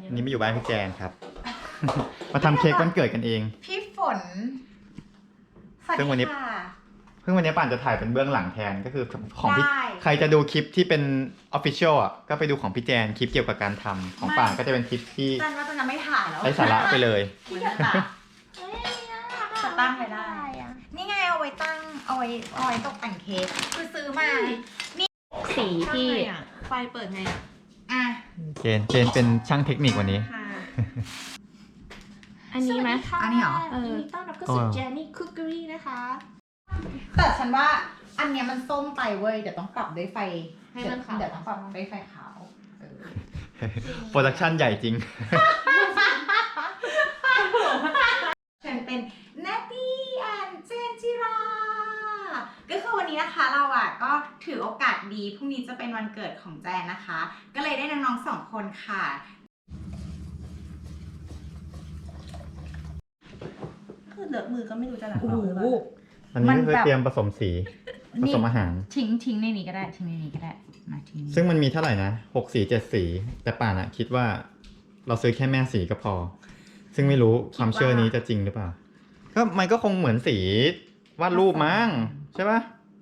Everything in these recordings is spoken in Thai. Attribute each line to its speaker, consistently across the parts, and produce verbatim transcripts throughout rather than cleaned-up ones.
Speaker 1: อันนี้ไม่อยู่บ้านพี่แจนครับ มาทำเค้กวันเกิดกันเอง
Speaker 2: พี่ฝน
Speaker 1: ซึ่งวันนี้ เพิ่งวันนี้ป่านจะถ่ายเป็นเบื้องหลังแทนก็คือของพี่ใครจะดูคลิปที่เป็น official อ่ะก็ไปดูของพี่แจนคลิปเกี่ยวกับการทำของป่านก็จะเป็นคลิปที่
Speaker 2: จันว่าจะไม่ถ่ายแล้ว
Speaker 1: ไร้สาระไปเลย
Speaker 2: พี่จะตัดจะตั้งไปได้ นี่ไงเอาไว้ตั้งเอาไว้เอาไว้ตกแต่งเค้กคือซื้อมา นี่
Speaker 3: สีที่
Speaker 4: ไฟเปิดไงอ่ะ
Speaker 2: อ่ะ
Speaker 1: เจนเจนเป็นช่างเทคนิควันนี้
Speaker 4: ค่ะ
Speaker 3: อันนี้ไหม
Speaker 2: อันนี้เหรอ
Speaker 3: เออ
Speaker 4: ยินดีต้อนรับเข้าสู่แจนนี่คุกเกอรี่นะคะ
Speaker 2: แต่ฉันว่าอันเนี้ยมันส้มไปเว้ยเดี๋ยวต้องปรับด้วยไฟ
Speaker 4: ให้มันขาว
Speaker 2: เดี๋ยวต้องปรับด้วยไฟขาวเออ
Speaker 1: โปรดักชั่นใหญ่จริง
Speaker 2: ฉันเป็นนาตี้แอนเจนจิรา ก็คือวันนี้นะคะเราอ่ะก็ถือโอกาสดีพรุ่งนี้จะเป็นวันเกิดของแจนนะคะ ก็เลยได้น้องๆสองคนค่ะ
Speaker 4: คือเลอะมือก็ไม่รู้จะล้างออกหรือเปล่า
Speaker 1: อันนี้ก็คือเตรียมผสมสีผสมอาหาร
Speaker 2: ทิ้งทิ้งในนี้ก็ได้ทิ้งในนี้ก็ได้มาทิ้ง
Speaker 1: ซึ่งมันมีเท่าไหร่นะหกสีเจ็ดสี แต่ป่านอะคิดว่าเราซื้อแค่แม่สีก็พอ ซึ่งไม่รู้ความเชื่อนี้จะจริงหรือเปล่า ก็มันก็คงเหมือนสีวาดรูปมั้งใช่ปะ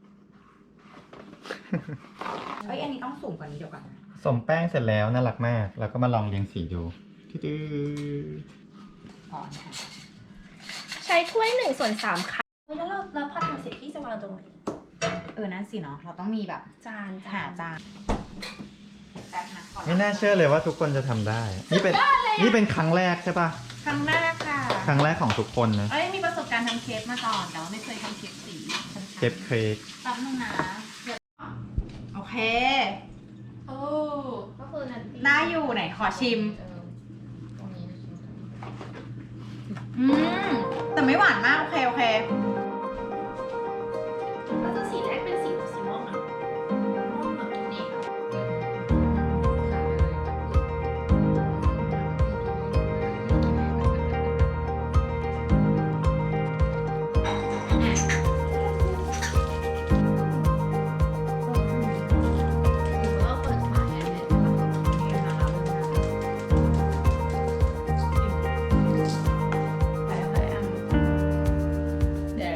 Speaker 2: เอ้ยอันนี้ต้องสูงกว่านี้เดี๋ยวก่อนนะ
Speaker 1: ผสมแป้งเสร็จแล้วน่ารักมาก แล้วก็มาลองเรียงสีดูตื้อ
Speaker 2: อ๋อนะคะ
Speaker 3: ใช้ถ้วยหนึ่งส่วนสามค่ะ
Speaker 4: เฮ้ยแล้วเราเราพอทำเสร็จพี่จะวางตรงไหน
Speaker 2: เออนั่นสิเนาะเราต้องมีแบบ
Speaker 4: จาน
Speaker 2: หาจานแป๊บนะขอ
Speaker 1: ๆไม่น่าเชื่อเลยว่าทุกคนจะทำได้ นี่เป็นนี่เป็นครั้งแรกใช่ปะ
Speaker 2: ครั้งแรกค่ะ
Speaker 1: ครั้งแรกของทุกคนนะ
Speaker 4: เอ้ยมีประสบการณ์ทำเค้กมาก่อนแต่ว่าไม่เคยทำเค้กสีฉัน
Speaker 1: เค้กเค้ก
Speaker 4: แป๊บนึงนะ
Speaker 2: โอเค
Speaker 4: โอ้ก็คือนั่น
Speaker 2: น่าอยู่ไหนขอชิม
Speaker 4: ตรงนี้
Speaker 2: อืมแต่ไม่หวานมาก โอเค โอเค
Speaker 4: แล้วจะสีแรกเป็นสีสีม่วงอ่ะม่วงแบบนี้ เราเปิดฝาแค่ไหน
Speaker 2: เดี๋ยว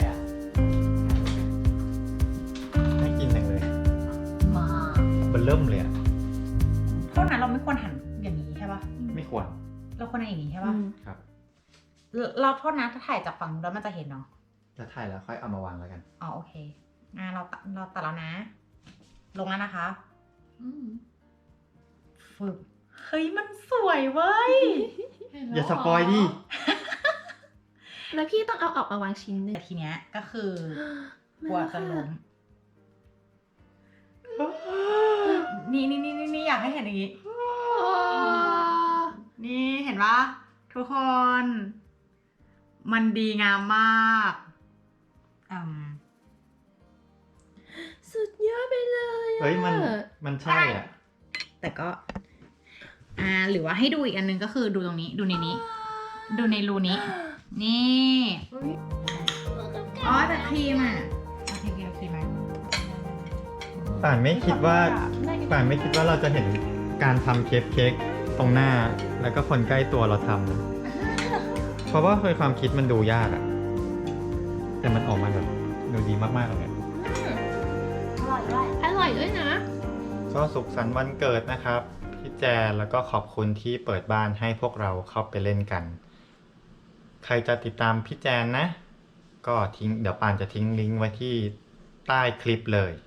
Speaker 1: ให้กินจังเลย
Speaker 2: มา
Speaker 1: เบนเริ่มเลยอะ
Speaker 2: โทษนะเราไม่ควรหันอย่างนี้ใช่ปะ
Speaker 1: ไม่ควร
Speaker 2: เราควรหันอย่างนี้ใช่ปะ
Speaker 1: ครับ
Speaker 2: เราเราโทษนะถ้าถ่ายจากฝั่งนู้นแล้วมันจะเห็นเนาะ
Speaker 1: จะถ่ายแล้วค่อยเอามาวางแล้วกัน
Speaker 2: อ๋อโอเคอ่ะเราตัดเราตัดแล้วนะ ลงแล้วนะคะ
Speaker 4: อืม
Speaker 2: ฝึกเฮ้ยมันสวยเว้ย
Speaker 1: อย่าสปอยดิ
Speaker 3: แล้วพี่ต้องเอาออกมาวางชิ้นหนึ่ง
Speaker 2: แต่ทีเนี้ยก็คือกลัวจะล้มนี่นี่นี่นี่อยากให้เห็นอย่างนี้ นี่เห็นปะทุกคน มันดีงามมากอืม
Speaker 3: สุดยอดไปเลยอะ
Speaker 1: เฮ้ยมันมันใช่อ่ะ
Speaker 2: แต่ก็ อ่า หรือว่าให้ดูอีกอันนึงก็คือดูตรงนี้ ดูในนี้ ดูในรูนี้ นี่อ๋อแต่ครีมอ่ะโอเคโอเคโอเคไหม
Speaker 1: ป่านไม่คิดว่าป่านไม่คิดว่าเราจะเห็นการทำเค้กเค้กตรงหน้า แล้วก็คนใกล้ตัวเราทำนะเพราะว่าเคยความคิดมันดูยากอะแต่มันออกมาแบบดูดีมากๆเลย
Speaker 4: อร่อยด้วย
Speaker 3: อร่อยด้วยนะ
Speaker 1: ก็สุขสันต์วันเกิดนะครับพี่แจนแล้วก็ขอบคุณที่เปิดบ้านให้พวกเราเข้าไปเล่นกัน ใครจะติดตามพี่แจนนะ ก็ทิ้งเดี๋ยวป่านจะทิ้งลิงก์ไว้ที่ใต้คลิปเลย